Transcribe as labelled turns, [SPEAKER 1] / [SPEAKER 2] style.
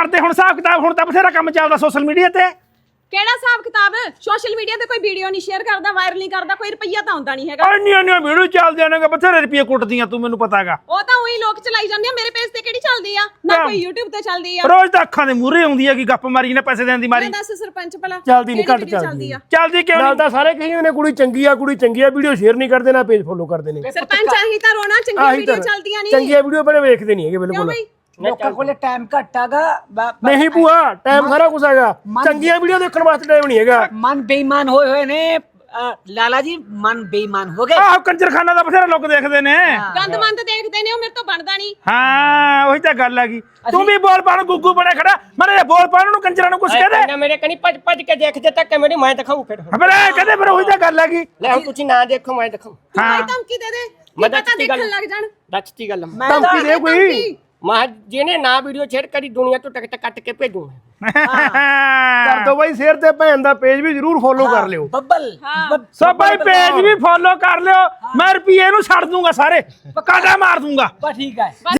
[SPEAKER 1] ਕਰਦੇ ਹੁਣ ਹਿਸਾਬ ਕਿਤਾਬ ਹੁਣ ਤਾਂ ਬਥੇਰਾ ਕੰਮ ਚੱਲਦਾ ਸੋਸ਼ਲ ਮੀਡੀਆ ਤੇ
[SPEAKER 2] ਕਿਹੜਾ ਹਿਸਾਬ ਕਿਤਾਬ ਸੋਸ਼ਲ ਮੀਡੀਆ ਤੇ ਕੋਈ ਵੀਡੀਓ ਨਹੀਂ ਸ਼ੇਅਰ ਕਰਦਾ ਵਾਇਰਲ ਨਹੀਂ ਕਰਦਾ ਕੋਈ ਰੁਪਈਆ ਤਾਂ ਆਉਂਦਾ ਨਹੀਂ ਹੈਗਾ
[SPEAKER 1] ਇੰਨੀਆਂ ਵੀਡੀਓ ਚੱਲਦੀਆਂ ਨੇ ਬਥੇਰੇ ਰੁਪਏ ਕੁੱਟਦੀਆਂ ਤੂੰ ਮੈਨੂੰ ਪਤਾ ਹੈਗਾ
[SPEAKER 2] ਉਹ ਤਾਂ ਉਹੀ ਲੋਕ ਚਲਾਈ ਜਾਂਦੇ ਆ ਮੇਰੇ ਪੇਜ ਤੇ ਕਿਹੜੀ ਚੱਲਦੀ ਆ ਨਾ ਕੋਈ YouTube ਤੇ ਚੱਲਦੀ ਆ
[SPEAKER 1] ਰੋਜ਼ ਤਾਂ ਅੱਖਾਂ ਦੇ ਮੂਹਰੇ ਆਉਂਦੀ ਹੈਗੀ ਗੱਪ ਮਾਰੀ ਨੇ ਪੈਸੇ ਦੇਣ ਦੀ ਮਾਰੀ
[SPEAKER 2] ਦੱਸ ਸਰਪੰਚ ਭਲਾ
[SPEAKER 3] ਚੱਲਦੀ ਨਹੀਂ ਘੱਟ
[SPEAKER 2] ਕਿਹੜੀ video
[SPEAKER 3] ਚੱਲਦੀ
[SPEAKER 2] ਆ
[SPEAKER 1] ਚੱਲਦੀ ਕਿਉਂ
[SPEAKER 3] ਨਾਲ
[SPEAKER 1] ਨਹੀਂ
[SPEAKER 3] ਤਾਂ ਸਾਰੇ ਕਹੀ ਨੇ ਕੁੜੀ ਚੰਗੀ ਆ ਵੀਡੀਓ ਸ਼ੇਅਰ ਨਹੀਂ ਕਰਦੇ ਨਾ ਪੇਜ ਫੋਲੋ ਕਰਦੇ ਨੇ
[SPEAKER 2] ਸਰਪੰਚ ਆਹੀ ਤਾਂ ਰੋਣਾ ਚੰਗੀ ਵੀਡੀਓ ਚੱਲਦੀਆਂ ਨਹੀਂ
[SPEAKER 3] ਚੰਗੀਆਂ ਵੀਡੀਓ ਬਣੇ ਵੇਖਦੇ ਨਹੀਂ ਹੈਗੇ
[SPEAKER 2] ਕਿਉਂ
[SPEAKER 3] ਬਿਲਕੁਲ
[SPEAKER 2] ਬਈ
[SPEAKER 4] ਲੋਕਾਂ ਕੋਲੇ ਟਾਈਮ ਘੱਟ ਹੈਗਾ
[SPEAKER 3] ਨਹੀਂ ਭੂਆ ਟਾਈਮ ਸਾਰਾ ਕੁਝ ਹੈਗਾ ਚੰਗੀਆਂ ਵੀਡੀਓ ਦੇਖਣ ਵਾਸਤੇ ਟਾਈਮ ਨਹੀਂ ਹੈਗਾ
[SPEAKER 4] ਮਨ ਬੇਈਮਾਨ ਹੋਏ ਨੇ ਲਾਲਾ ਜੀ ਮਨ ਬੇਈਮਾਨ ਹੋ ਗਏ
[SPEAKER 1] ਆਹ ਕੰਜਰਖਾਨਾ ਦਾ ਬਥੇਰਾ ਲੋਕ ਦੇਖਦੇ ਨੇ
[SPEAKER 2] ਗੰਦਮੰਦ ਦੇਖਦੇ ਨੇ ਉਹ ਮੇਰੇ ਤੋਂ ਬਣਦਾ ਨਹੀਂ
[SPEAKER 1] ਹਾਂ ਉਹੀ ਤਾਂ ਗੱਲ ਹੈਗੀ ਤੂੰ ਵੀ ਬੋਲ ਪਾਣ ਗੁੱਗੂ ਬਣੇ ਖੜਾ ਮਰੇ ਬੋਲ ਪਾਣ ਨੂੰ ਕੰਜਰਾਂ ਨੂੰ ਕੁਛ ਕਹਦੇ
[SPEAKER 5] ਨਾ ਮੇਰੇ ਕਨੀ ਭੱਜ ਭੱਜ ਕੇ ਦੇਖਦੇ ਤੱਕ ਮੇਰੀ ਮੈਂ ਦਿਖਾਉਂ ਫਿਰ
[SPEAKER 1] ਹਮਰੇ ਕਹਦੇ ਫਿਰ ਉਹੀ ਤਾਂ ਗੱਲ ਹੈਗੀ
[SPEAKER 5] ਲੈ ਹੁਣ ਤੁਸੀਂ ਨਾ ਦੇਖੋ ਮੈਂ ਦਿਖਾਉਂ
[SPEAKER 2] ਤੂੰ ਭਾਈ ਧਮਕੀ ਦੇ ਦੇ
[SPEAKER 5] ਮੈਂ
[SPEAKER 2] ਪਤਾ
[SPEAKER 5] ਦੱਸਤੀ ਗੱਲ।
[SPEAKER 2] ਦੇਖਣ ਲੱਗ ਜਾਣ
[SPEAKER 5] ਦੱਸਤੀ ਗੱਲ
[SPEAKER 3] ਧਮਕੀ ਦੇ ਕੋਈ
[SPEAKER 5] ਮੈਂ ਜਿਹਨੇ ਨਾ ਵੀਡੀਓ ਸ਼ੇਅਰ ਕਰੀ ਦੁਨੀਆ ਤੋਂ ਟਿਕਟ ਕੱਟ ਕੇ ਭੇਜੂ
[SPEAKER 3] ਕਰ ਦੋ ਬਾਈ ਸ਼ੇਅਰ ਤੇ ਭੈਣ ਦਾ ਪੇਜ ਵੀ ਜਰੂਰ ਫੋਲੋ ਕਰ ਲਿਓ
[SPEAKER 4] ਬੱਬਲ
[SPEAKER 1] ਸੋ ਭਾਈ ਪੇਜ ਵੀ ਫੋਲੋ ਕਰ ਲਿਓ ਮੈਂ ਰੁਪਏ ਨੂੰ ਛੱਡ ਦੂੰਗਾ ਸਾਰੇ ਕਾਟਾ ਮਾਰ ਦੂੰਗਾ
[SPEAKER 4] ਬਸ ਠੀਕ ਹੈ